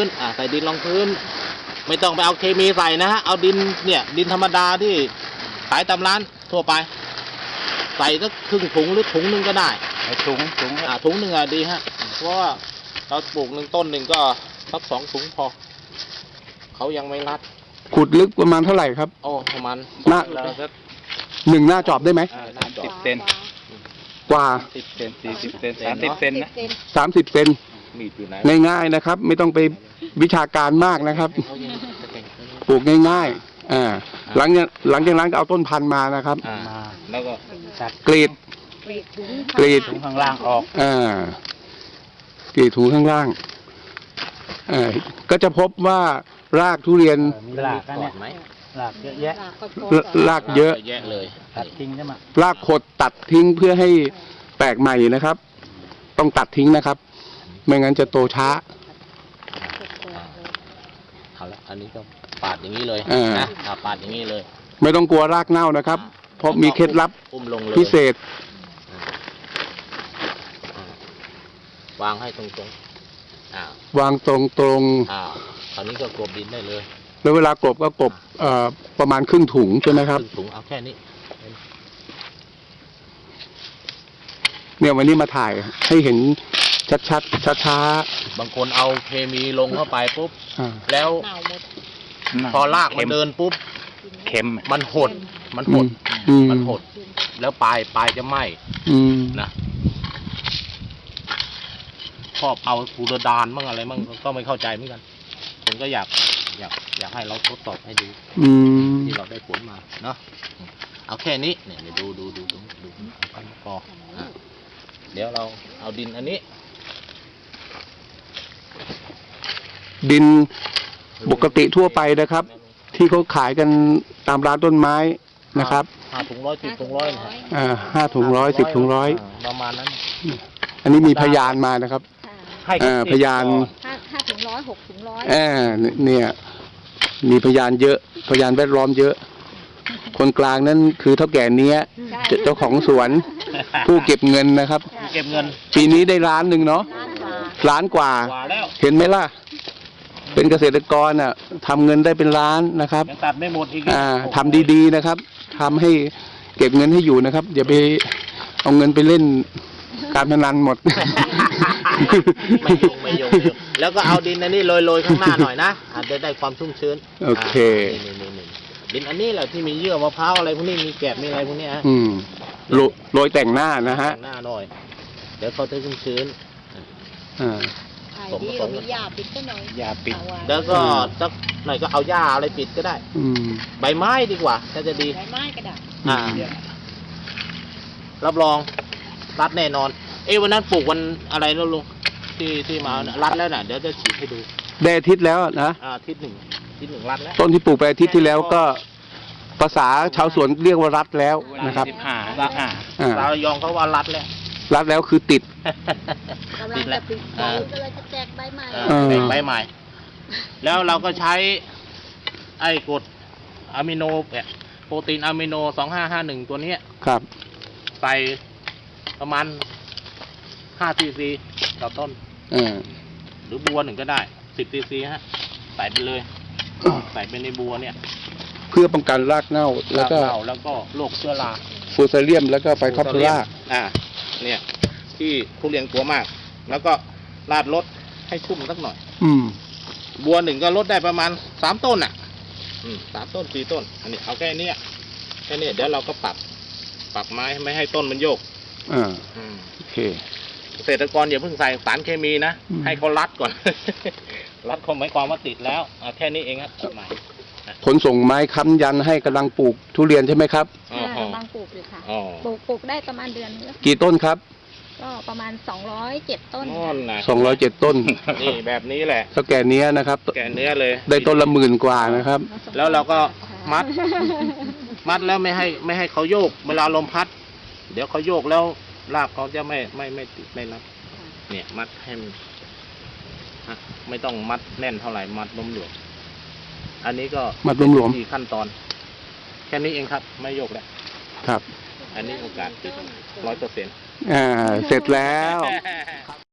นใส่ดินรองพื้นไม่ต้องไปเอาเคมีใส่นะฮะเอาดินเนี่ยดินธรรมดาที่ขายตามร้านทั่วไปใส่สักครึ่งถุงหรือถุงนึงก็ได้ถุงหนึ่งดีฮะเพราะว่าเราปลูกต้นหนึ่งก็สัก2 ถุงพอเขายังไม่รัดขุดลึกประมาณเท่าไหร่ครับโอ้ประมาณหน้า1 หน้าจอบได้ไหม 30 เซนกว่า 10 เซน40 เซน30 เซนนะ 30 เซนง่ายๆนะครับไม่ต้องไปวิชาการมากนะครับปลูกง่ายๆหลังจากนั้นก็เอาต้นพันธุ์มานะครับแล้วก็กรีดถุงข้างล่างออกกรีดถุงข้างล่างก็จะพบว่ารากทุเรียนรากเนี่ยรากเยอะแยะรากเยอะเลยตัดทิ้งได้ไหมรากขดตัดทิ้งเพื่อให้แตกใหม่นะครับต้องตัดทิ้งนะครับไม่งั้นจะโตช้าเอาละอันนี้ก็ปาดอย่างนี้เลยนะปาดอย่างนี้เลยไม่ต้องกลัวรากเน่านะครับเพราะมีเคล็ดลับพิเศษวางให้ตรงวางตรงคราวนี้ก็กลบดินได้เลยแล้วเวลากลบก็กลบประมาณครึ่งถุงใช่ไหมครับครึ่งถุงเอาแค่นี้เนี่ยวันนี้มาถ่ายให้เห็นชัดช้าบางคนเอาเคมีลงเข้าไปปุ๊บแล้วพอรากมันเดินปุ๊บเข็มมันหดแล้วปลายจะไหม้นะชอบเอาฟูรดานมั่งอะไรมั่งก็ไม่เข้าใจเหมือนกันผมก็อยากให้เราทดสอบให้ดูที่เราได้ผลมาเนาะเอาแค่นี้เนี่ยดูเอาไปพอเดี๋ยวเราเอาดินอันนี้ดินปกติทั่วไปนะครับที่เขาขายกันตามร้านต้นไม้นะครับ 5 ถุง 100 10 ถุง 100นะ 5 ถุง 100 10 ถุง 100 ประมาณนั้นอันนี้มีพยานมานะครับพยาน 5 ถุง 100 6 ถุง 100 เนี่ยมีพยานเยอะพยานแวดล้อมเยอะคนกลางนั้นคือเท่าแก่เนี้ยเจ้าของสวนผู้เก็บเงินนะครับเก็บเงินปีนี้ได้1 ล้านเนาะ1 ล้านกว่าเห็นไหมล่ะเป็นเกษตรกรทำเงินได้เป็นล้านนะครับตัดไม่หมดอีกทำดีๆนะครับทำให้เก็บเงินให้อยู่นะครับอย่าไปเอาเงินไปเล่นการพนันหมดไม่ยงแล้วก็เอาดินอันนี้โรยข้างหน้าหน่อยนะอาจจะได้ความชุ่มชื้นโอเคดินอันนี้แหละที่มีเยื่อมะพร้าวอะไรพวกนี้มีแกบมีอะไรพวกนี้โรยแต่งหน้านะฮะแต่งหน้าหน่อยเดี๋ยวเขาจะชุ่มชื้นมีหญ้าปิดก็หน่อยหญ้าปิดแล้วก็สักหน่อยก็เอาหญ้าอะไรปิดก็ได้ใบไม้ดีกว่าถ้าจะดีใบไม้ก็ได้รับรองรัดแน่นอนวันนั้นปลูกวันอะไรแล้วลุงที่มารัดแล้วน่ะเดี๋ยวจะฉีดให้ดูได้อาทิตย์แล้วนะอาทิตย์หนึ่งรัดแล้วต้นที่ปลูกไปอาทิตย์ที่แล้วก็ภาษาชาวสวนเรียกว่ารัดแล้วนะครับเรายองเขาว่ารัดแล้วคือติดแล้วก็เลยจะแจกใบใหม่ใบใหม่แล้วเราก็ใช้ไอ้กรดอะมิโนโปรตีนอะมิโน2551ตัวนี้ครับใส่ประมาณ5 cc ต่อต้นหรือบัว1ก็ได้10 cc ฮะใส่ไปเลยใส่ไปในบัวเนี่ยเพื่อป้องกันรากเน่าแล้วก็โรคเชื้อราฟูซาเลียมแล้วก็ไฟคอปเทอร่าเนี่ยที่ทุเรียนกลัวมากแล้วก็ราดรดให้ชุ่มสักหน่อยบัว1ก็ลดได้ประมาณ3 ต้น3 ต้น 4 ต้นอันนี้เอาแค่นี้เดี๋ยวเราก็ปรับไม้ไม่ให้ต้นมันโยกโอเคเกษตรกรอย่าเพิ่งใส่สารเคมีนะให้เขารัดก่อนรัดเขาหมายความว่าติดแล้วแค่นี้เองครับใหม่ขนส่งไม้ค้ำยันให้กำลังปลูกทุเรียนใช่ไหมครับกำลังปลูกอยู่ค่ะปลูกได้ประมาณเดือนนึงกี่ต้นครับก็ประมาณ207 ต้น 207 ต้นนี่แบบนี้แหละเท่าแก่เนี้ยนะครับแก่เนื้อเลยได้ต้นละ10,000 กว่านะครับแล้วเราก็มัดแล้วไม่ให้เขาโยกเวลาลมพัดเดี๋ยวเขาโยกแล้วรากเขาจะไม่ติดไม่รับเนี่ยมัดให้ไม่ต้องมัดแน่นเท่าไหร่มัดหลวมอันนี้ก็มัดหลวมที่ขั้นตอนแค่นี้เองครับไม่โยกแล้วครับอันนี้โอกาสติด100% เสร็จแล้ว